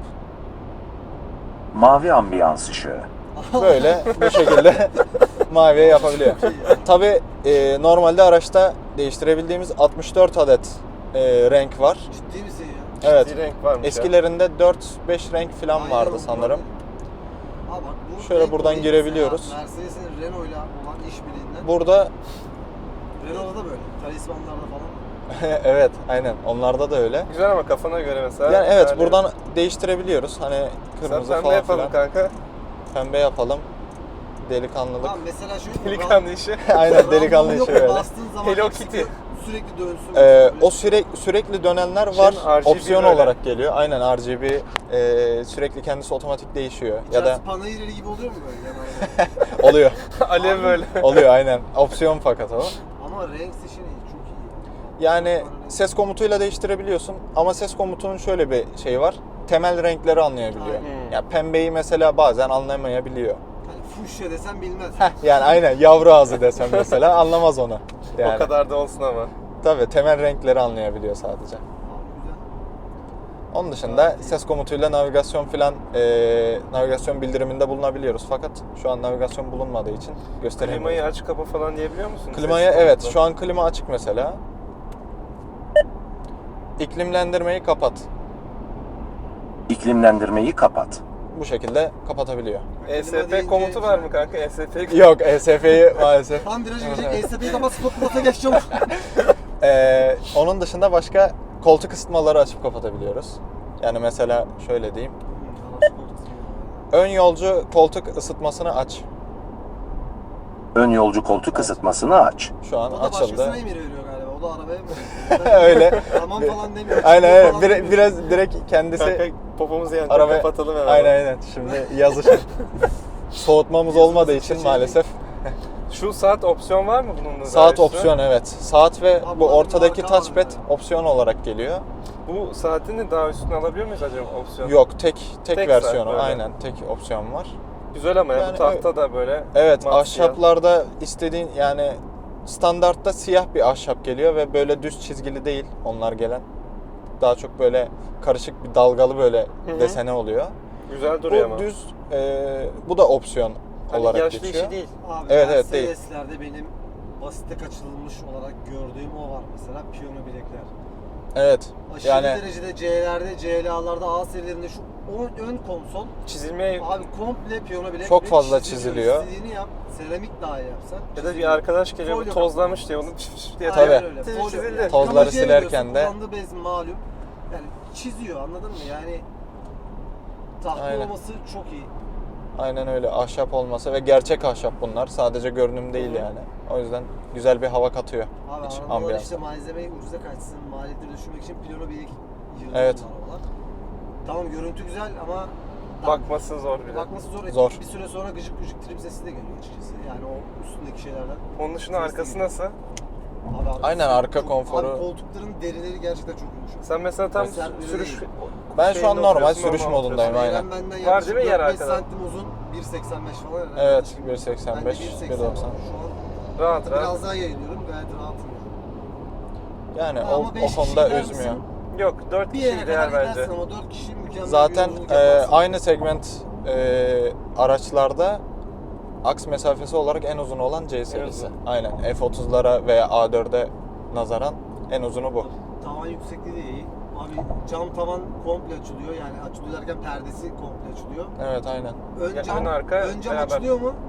Speaker 4: Mavi ambiyans ışığı.
Speaker 2: Böyle bu şekilde maviye yapabiliyor. Tabii normalde araçta değiştirebildiğimiz 64 adet renk var.
Speaker 3: Ciddi misin ya?
Speaker 2: Evet.
Speaker 1: Bir renk varmış ya.
Speaker 2: Eskilerinde 4-5 renk falan
Speaker 3: Aynen
Speaker 2: vardı
Speaker 3: o
Speaker 2: sanırım.
Speaker 3: Ha bak bu
Speaker 2: Şöyle
Speaker 3: renk
Speaker 2: buradan
Speaker 3: olayı
Speaker 2: girebiliyoruz.
Speaker 3: mesela Mercedes'in Renault'la olan işbirliğinden.
Speaker 2: Burada
Speaker 3: Renault'da da böyle. Talismanlarda falan.
Speaker 2: evet aynen onlarda da öyle.
Speaker 1: Güzel ama kafana göre mesela.
Speaker 2: Yani evet buradan değiştirebiliyoruz. Hani kırmızı
Speaker 1: Sen pembe
Speaker 2: falan
Speaker 1: yapalım
Speaker 2: filan.
Speaker 1: kanka.
Speaker 2: Pembe yapalım. Delikanlılık.
Speaker 3: Tamam mesela şu
Speaker 1: Delikanlı işi.
Speaker 2: Aynen delikanlı
Speaker 3: Rambo
Speaker 2: işi
Speaker 3: yok,
Speaker 2: böyle.
Speaker 3: Bastığın zaman
Speaker 1: Hello
Speaker 3: hepsi
Speaker 1: Kitty.
Speaker 3: sürekli dönsün.
Speaker 2: O
Speaker 3: Böyle.
Speaker 2: sürekli dönenler var.
Speaker 1: RGB
Speaker 2: Opsiyon
Speaker 1: böyle.
Speaker 2: olarak geliyor. Aynen RGB sürekli kendisi otomatik değişiyor. Ya da
Speaker 3: İçerisi panayır gibi oluyor mu böyle yani?
Speaker 2: oluyor.
Speaker 1: Alev böyle.
Speaker 2: Oluyor aynen. Opsiyon fakat o.
Speaker 3: Ama renk seçeneği çok iyi.
Speaker 2: Yani ses komutuyla değiştirebiliyorsun ama ses komutunun şöyle bir şeyi var. Temel renkleri anlayabiliyor.
Speaker 3: Aynen.
Speaker 2: Ya pembeyi mesela bazen anlayamayabiliyor.
Speaker 3: Yani fuşya desem bilmez.
Speaker 2: Yani aynen yavru ağzı desem mesela anlamaz onu. Yani,
Speaker 1: O kadar da olsun ama.
Speaker 2: Tabii temel renkleri anlayabiliyor sadece.
Speaker 3: Abi güzel.
Speaker 2: Onun dışında ses komutuyla navigasyon filan navigasyon bildiriminde bulunabiliyoruz. Fakat şu an navigasyon bulunmadığı için gösteremiyoruz.
Speaker 1: Klimayı aç kapa falan diyebiliyor musun?
Speaker 2: Klimaya
Speaker 1: Ses
Speaker 2: evet
Speaker 1: komutla.
Speaker 2: şu an klima açık mesela. İklimlendirmeyi kapat.
Speaker 4: İklimlendirmeyi kapat.
Speaker 2: Bu şekilde kapatabiliyor.
Speaker 3: Klima
Speaker 1: ESP
Speaker 3: deyince-
Speaker 1: komutu var mı kanka? ESP
Speaker 2: Yok ESF'yi maalesef.
Speaker 3: Tam viraja girecek ESP'yi kapat spot pilota geç çabuk.
Speaker 2: Onun dışında başka koltuk ısıtmaları açıp kapatabiliyoruz. Yani mesela şöyle diyeyim. Ön yolcu koltuk ısıtmasını aç.
Speaker 4: Ön yolcu koltuk ısıtmasını aç.
Speaker 2: Şu an
Speaker 3: O da
Speaker 2: açıldı.
Speaker 3: başkasına emir veriyor galiba. O da arabaya mı?
Speaker 2: Öyle.
Speaker 3: Tamam falan demiyor.
Speaker 2: Aynen
Speaker 3: Çıkıyor
Speaker 2: aynen.
Speaker 3: falan demiyor.
Speaker 2: Biraz direkt kendisi
Speaker 1: Kanka popomuzu yanacak,
Speaker 2: araba
Speaker 1: kapatalım hemen.
Speaker 2: Aynen. Şimdi yaz için soğutmamız olmadığı için
Speaker 3: seçeneği.
Speaker 2: maalesef.
Speaker 1: Şu saat opsiyon var mı bunun da?
Speaker 2: Saat
Speaker 1: daha
Speaker 2: opsiyon evet. Saat ve
Speaker 3: Abi
Speaker 2: bu
Speaker 3: bunların
Speaker 2: ortadaki
Speaker 3: marka var
Speaker 2: touchpad
Speaker 3: yani.
Speaker 2: opsiyon olarak geliyor.
Speaker 1: Bu saatin de daha üstüne alabiliyor muyuz acaba opsiyon?
Speaker 2: Yok tek
Speaker 1: Tek
Speaker 2: versiyonu
Speaker 1: saat böyle.
Speaker 2: aynen tek opsiyon var.
Speaker 1: Güzel ama ya
Speaker 2: Yani
Speaker 1: bu tahta da böyle.
Speaker 2: Evet
Speaker 1: mat
Speaker 2: ahşaplarda istediğin yani standartta siyah bir ahşap geliyor ve böyle düz çizgili değil onlar gelen. Daha çok böyle karışık bir dalgalı böyle
Speaker 1: hı.
Speaker 2: desene oluyor.
Speaker 1: siyah. Güzel duruyor
Speaker 2: Bu
Speaker 1: ama.
Speaker 2: düz bu da opsiyon
Speaker 1: Hani
Speaker 2: olarak
Speaker 1: yaşlı
Speaker 2: geçiyor.
Speaker 1: işi değil.
Speaker 3: Abi
Speaker 2: Evet, evet, değil.
Speaker 3: Mercedeslerde benim basite kaçırılmış olarak gördüğüm o var mesela piyano bilekler.
Speaker 2: Evet.
Speaker 3: Aşırı
Speaker 2: Yani
Speaker 3: derecede C'lerde, CLA'larda, A serilerinde şu ön konsol
Speaker 1: Çizilmeye
Speaker 3: abi komple piyano bilek
Speaker 2: Çok
Speaker 3: ve
Speaker 2: fazla çiziliyor.
Speaker 3: İstediğini yap. Seramik dahi yapsan.
Speaker 1: ya da bir
Speaker 3: çiziliyor.
Speaker 1: arkadaş geliyor bu
Speaker 3: Folyo
Speaker 1: tozlamış diye onu diye
Speaker 2: Tabii.
Speaker 3: Aynen öyle.
Speaker 1: Çizildi.
Speaker 3: Folyo.
Speaker 1: Çizildi.
Speaker 2: Tozları
Speaker 3: Kamacıya
Speaker 2: silerken
Speaker 3: veriyorsun,
Speaker 2: de-
Speaker 3: kullandığı bez malum. Yani çiziyor anladın mı? Yani tahta
Speaker 2: Aynen.
Speaker 3: olması çok iyi.
Speaker 2: Aynen öyle. Ahşap olması ve gerçek ahşap bunlar. Sadece görünüm değil yani. O yüzden güzel bir hava katıyor
Speaker 3: Abi
Speaker 2: iç
Speaker 3: arabalar
Speaker 2: ambiyans.
Speaker 3: işte malzemeyi ucuza kaçsın, maliyetleri düşürmek için piyano bilek yığılıyor
Speaker 2: Evet.
Speaker 3: arabalar. Tamam görüntü güzel ama
Speaker 1: bakması zor bile.
Speaker 3: bakması zor.
Speaker 2: Zor.
Speaker 3: Bir süre sonra gıcık gıcık trip sesi de geliyor açıkçası. Yani o üstündeki şeylerden.
Speaker 1: Onun dışında
Speaker 3: Ses
Speaker 1: arkası
Speaker 3: değil.
Speaker 1: nasıl?
Speaker 3: Abi arkası
Speaker 2: Aynen, arka
Speaker 3: çok-
Speaker 2: konforu.
Speaker 3: Abi koltukların derileri gerçekten çok yumuşak.
Speaker 1: Sen mesela tam
Speaker 3: Mesela
Speaker 1: sürüş...
Speaker 2: Ben şu an
Speaker 1: şeyinde
Speaker 2: normal
Speaker 1: oturuyorsun,
Speaker 2: sürüş
Speaker 1: normal
Speaker 2: modundayım,
Speaker 1: oturuyorsun.
Speaker 2: aynen.
Speaker 3: Benden
Speaker 1: Var
Speaker 3: yaklaşık
Speaker 1: değil mi yer
Speaker 3: 4-5
Speaker 1: arkada?
Speaker 3: santim uzun, 1.85 falan herhalde.
Speaker 2: Evet,
Speaker 3: Şimdi
Speaker 2: 1.85,
Speaker 3: ben de
Speaker 2: 1.90.
Speaker 3: Şu an
Speaker 1: Rahat rahat.
Speaker 3: biraz daha yayılıyorum, gayet rahatım.
Speaker 2: Yani
Speaker 3: Ama
Speaker 2: o
Speaker 3: beş
Speaker 2: konuda
Speaker 3: kişi gider
Speaker 2: üzmüyor.
Speaker 3: misin?
Speaker 1: Yok 4
Speaker 3: Bir
Speaker 1: kişi
Speaker 3: yere
Speaker 1: ideal
Speaker 3: kadar
Speaker 1: bence.
Speaker 3: gidersin ama 4 kişi mükemmel
Speaker 2: Zaten
Speaker 3: bir yolculuk yaparsın.
Speaker 2: aynı segment araçlarda aks mesafesi olarak en uzun olan C serisi.
Speaker 1: uzun.
Speaker 2: Aynen. F30'lara veya A4'e nazaran en uzunu bu.
Speaker 3: Tavan yüksekliği de iyi. Abi cam tavan komple açılıyor. Yani açılıyor derken perdesi komple açılıyor.
Speaker 2: Evet, aynen.
Speaker 3: Ön
Speaker 1: Ya
Speaker 3: cam,
Speaker 1: ön arka
Speaker 3: ön cam
Speaker 1: beraber.
Speaker 3: açılıyor mu?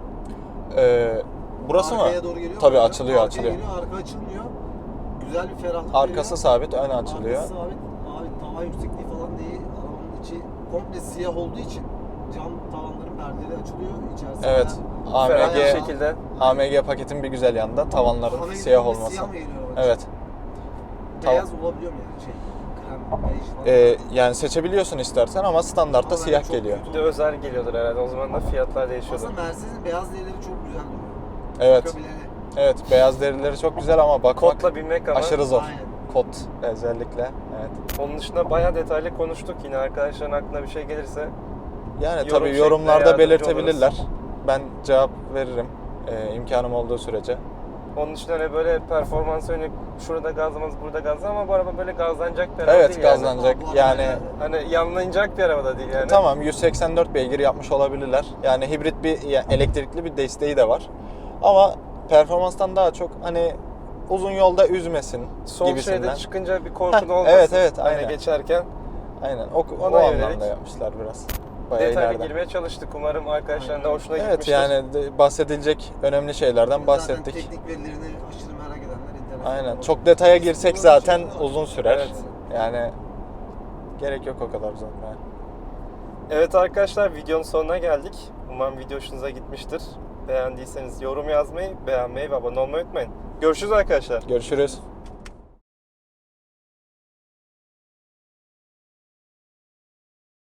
Speaker 2: Burası
Speaker 3: Arkaya
Speaker 2: mı?
Speaker 3: doğru geliyor mu?
Speaker 2: Tabii
Speaker 3: Ön cam?
Speaker 2: açılıyor,
Speaker 3: Arkaya
Speaker 2: açılıyor.
Speaker 3: Geliyor, arka açılmıyor. Güzel bir ferahlık
Speaker 2: Arkası
Speaker 3: veriyor.
Speaker 2: sabit, ön açılıyor.
Speaker 3: Arkası sabit. Abi tavan yüksekliği falan değil. Arabanın içi komple siyah olduğu için cam tavanların perdeleri açılıyor. İçerisi
Speaker 2: Evet.
Speaker 1: Ferah bir
Speaker 3: Bayağı-
Speaker 1: şekilde.
Speaker 2: AMG paketin bir güzel yanı da tavanların
Speaker 3: Ahmet
Speaker 2: siyah
Speaker 3: dediğimiz
Speaker 2: olması.
Speaker 3: Siyah mı geliyor araba?
Speaker 2: Evet.
Speaker 3: Beyaz olabiliyor mu yani krem, bej falan?
Speaker 2: Yani seçebiliyorsun istersen ama standartta
Speaker 3: Ama
Speaker 2: siyah
Speaker 3: çok
Speaker 2: geliyor.
Speaker 3: kötü
Speaker 1: Bir de özel geliyordur herhalde. O zaman da fiyatlar değişiyordur.
Speaker 3: Aslında Mercedes'in beyaz derileri çok güzel duruyor.
Speaker 2: Evet.
Speaker 3: Bakabilene.
Speaker 2: Evet, beyaz derileri çok güzel ama bakmak
Speaker 1: Kodla binmek ama.
Speaker 2: aşırı zor.
Speaker 3: Aynen.
Speaker 2: Kod özellikle. Evet.
Speaker 1: Onun dışında bayağı detaylı konuştuk. Yine arkadaşların aklına bir şey gelirse
Speaker 2: Yani
Speaker 1: Yorum
Speaker 2: tabii
Speaker 1: şeklinde
Speaker 2: yorumlarda
Speaker 1: yardımcı
Speaker 2: belirtebilirler. Ben cevap veririm imkanım olduğu sürece.
Speaker 1: onun için hani böyle performans yönelik şurada gazlamaz burada gazla ama bu araba böyle gazlanacak bir araba
Speaker 2: Evet,
Speaker 1: değil
Speaker 2: gazlanacak.
Speaker 3: Aa, bu arada
Speaker 2: Yani
Speaker 1: Hani yanlayacak bir araba da değil yani.
Speaker 2: tamam, 184 beygir yapmış olabilirler. Yani hibrit bir elektrikli bir desteği de var. Ama performanstan daha çok hani uzun yolda üzmesin
Speaker 1: Sol
Speaker 2: gibisinden.
Speaker 1: şeride çıkınca bir korkun
Speaker 2: Heh,
Speaker 1: olmasın.
Speaker 2: evet, evet,
Speaker 1: Hani
Speaker 2: aynen.
Speaker 1: geçerken
Speaker 2: Aynen. O
Speaker 1: Ona
Speaker 2: anlamda
Speaker 1: yönelik
Speaker 2: yapmışlar biraz. Bayağı
Speaker 1: detaylı
Speaker 2: ileride.
Speaker 1: girmeye çalıştık. Umarım arkadaşların da hoşuna
Speaker 2: Evet,
Speaker 1: gitmiştir.
Speaker 2: yani bahsedilecek önemli şeylerden bahsettik.
Speaker 3: Zaten teknik verilerini aşırı merak edenler internette.
Speaker 2: Aynen.
Speaker 3: bakar.
Speaker 2: Çok detaya girsek
Speaker 3: Biz
Speaker 2: zaten
Speaker 3: kullanıcı-
Speaker 2: uzun sürer.
Speaker 1: Evet.
Speaker 2: Yani gerek yok o kadar uzatmaya.
Speaker 1: Evet arkadaşlar, videonun sonuna geldik. Umarım video hoşunuza gitmiştir. Beğendiyseniz yorum yazmayı, beğenmeyi ve abone olmayı unutmayın. Görüşürüz arkadaşlar.
Speaker 2: Görüşürüz.